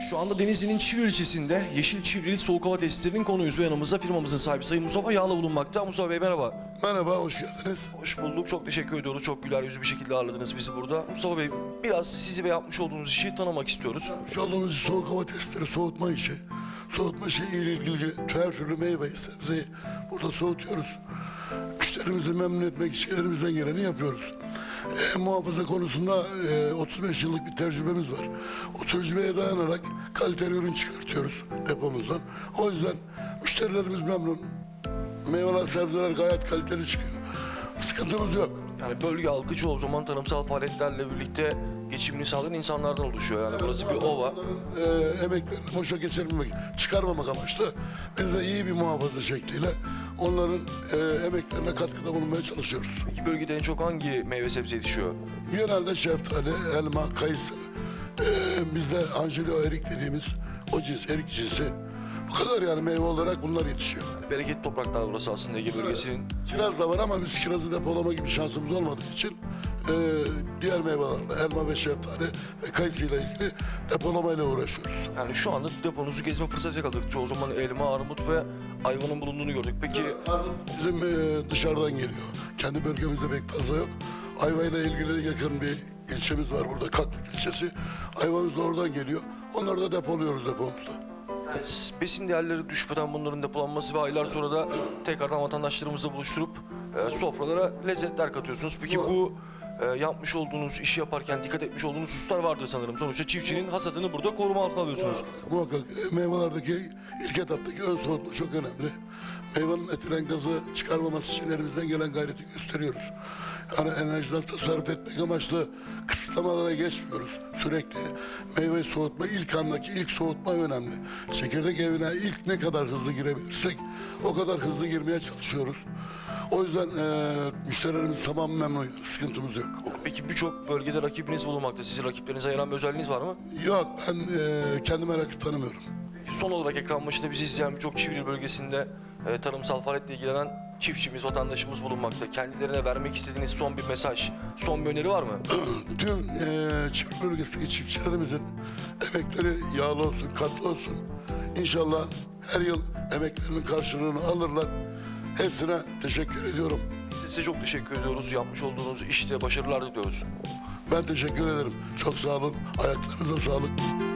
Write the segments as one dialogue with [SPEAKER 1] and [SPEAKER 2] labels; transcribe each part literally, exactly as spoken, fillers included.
[SPEAKER 1] Şu anda Denizli'nin Çivri ilçesinde Yeşil Çivrili Soğuk Hava Tesislerinin konuyuz ve yanımızda firmamızın sahibi Sayın Mustafa Yağlı bulunmakta. Mustafa Bey merhaba.
[SPEAKER 2] Merhaba, hoş geldiniz.
[SPEAKER 1] Hoş bulduk. Çok teşekkür ediyoruz. Çok güler yüzlü bir şekilde ağırladınız bizi burada. Mustafa Bey, biraz sizi ve yapmış olduğunuz işi tanımak istiyoruz.
[SPEAKER 2] Şu olduğumuz soğuk hava testleri, soğutma işi. Soğutma şeyiyle ilgili her türlü meyveyi, sebzeyi burada soğutuyoruz. Müşterimizi memnun etmek için elimizden geleni yapıyoruz. E, muhafaza konusunda e, otuz beş yıllık bir tecrübemiz var. O tecrübeye dayanarak kaliteli ürün çıkartıyoruz depomuzdan. O yüzden müşterilerimiz memnun. Meyveler, sebzeler gayet kaliteli çıkıyor. Sıkıntımız yok.
[SPEAKER 1] Yani bölge halkı çoğu zaman tarımsal faaliyetlerle birlikte geçimini sağlayan insanlardan oluşuyor. Yani burası bir ova.
[SPEAKER 2] E, emeklerini boşa geçirmemek, çıkarmamak amaçlı biz de iyi bir muhafaza şekliyle onların e, emeklerine katkıda bulunmaya çalışıyoruz.
[SPEAKER 1] Peki bölgede en çok hangi meyve sebze yetişiyor?
[SPEAKER 2] Genelde şeftali, elma, kayısı, e, bizde Angelo erik dediğimiz o cins, erik cinsi. Bu kadar yani meyve olarak bunlar yetişiyor.
[SPEAKER 1] Bereketli topraklar burası aslında Ege bölgesinin.
[SPEAKER 2] Kiraz da var ama biz kirazı depolama gibi şansımız olmadığı için e, diğer meyvelerle, elma ve şeftali ve kayısıyla ilgili depolamayla uğraşıyoruz.
[SPEAKER 1] Yani şu anda deponuzu gezme fırsatı yakaladık. Çoğu zaman elma, armut ve ayvanın bulunduğunu gördük. Peki
[SPEAKER 2] Bizim e, dışarıdan geliyor. Kendi bölgemizde pek fazla yok. Ayvayla ilgili yakın bir ilçemiz var burada, Katlık ilçesi. Ayvamız da oradan geliyor. Onları da depoluyoruz depomuzda.
[SPEAKER 1] yani besin değerleri düşmeden bunların depolanması ve aylar sonra da tekrardan vatandaşlarımızla buluşturup e, sofralara lezzetler katıyorsunuz. Peki bu e, yapmış olduğunuz, işi yaparken dikkat etmiş olduğunuz hususlar vardır sanırım. Sonuçta çiftçinin hasadını burada koruma altına alıyorsunuz.
[SPEAKER 2] Muhakkak e, meyvelerdeki ilk etaptaki ön soğutma çok önemli. Meyvenin etilen gazı çıkarmaması için elimizden gelen gayreti gösteriyoruz. Yani enerjiden tasarruf etmek amaçlı kısıtlamalara geçmiyoruz sürekli. Meyve soğutma, ilk andaki ilk soğutma önemli. Çekirdek evine ilk ne kadar hızlı girebilirsek o kadar hızlı girmeye çalışıyoruz. O yüzden e, müşterilerimiz tamamen memnun, sıkıntımız yok.
[SPEAKER 1] Peki birçok bölgede rakibiniz bulunmakta. Sizi rakiplerinize ayıran bir özelliğiniz var mı?
[SPEAKER 2] Yok, ben e, kendime rakip tanımıyorum.
[SPEAKER 1] Son olarak ekran başında bizi izleyen birçok Çivril bölgesinde e, tarımsal faaliyetle ilgilenen çiftçimiz, vatandaşımız bulunmakta. Kendilerine vermek istediğiniz son bir mesaj, son bir öneri var mı?
[SPEAKER 2] Tüm e, çift bölgesindeki çiftçilerimizin emekleri yağlı olsun, katlı olsun. İnşallah her yıl emeklerinin karşılığını alırlar. Hepsine teşekkür ediyorum.
[SPEAKER 1] Size çok teşekkür ediyoruz. Yapmış olduğunuz işte başarılar diliyoruz.
[SPEAKER 2] Ben teşekkür ederim. Çok sağ olun. Ayaklarınıza sağlık.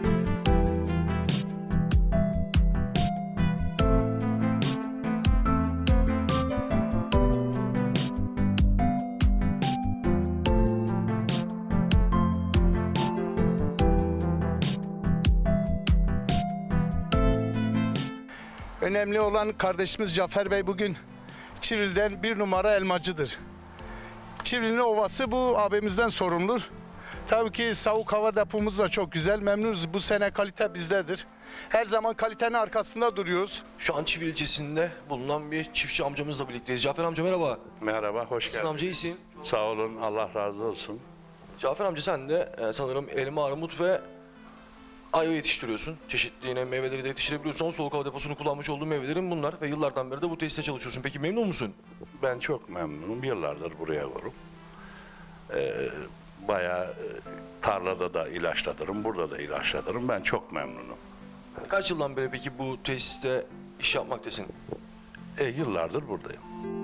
[SPEAKER 3] Önemli olan kardeşimiz Cafer Bey bugün Çivril'den bir numara elmacıdır. Çivril'in ovası bu abimizden sorumlu. Tabii ki soğuk hava depomuz da çok güzel. Memnunuz. Bu sene kalite bizdedir. Her zaman kalitenin arkasında duruyoruz.
[SPEAKER 1] Şu an Çivril ilçesinde bulunan bir çiftçi amcamızla birlikteyiz. Cafer amca merhaba.
[SPEAKER 4] Merhaba, hoş
[SPEAKER 1] Nasılsın
[SPEAKER 4] geldin.
[SPEAKER 1] amca, iyisin?
[SPEAKER 4] Sağ olun, Allah razı olsun.
[SPEAKER 1] Cafer amca sen de e, sanırım elma, armut ve ayva yetiştiriyorsun. Çeşitli yine meyveleri de yetiştirebiliyorsun ama soğuk hava deposunu kullanmış olduğun meyvelerin bunlar ve yıllardan beri de bu tesiste çalışıyorsun. Peki memnun musun?
[SPEAKER 4] Ben çok memnunum, yıllardır buraya varım. Ee, bayağı e, tarlada da ilaçlatırım, burada da ilaçlatırım. Ben çok memnunum.
[SPEAKER 1] Kaç yıldan beri peki bu tesiste iş yapmaktasın?
[SPEAKER 4] E, yıllardır buradayım.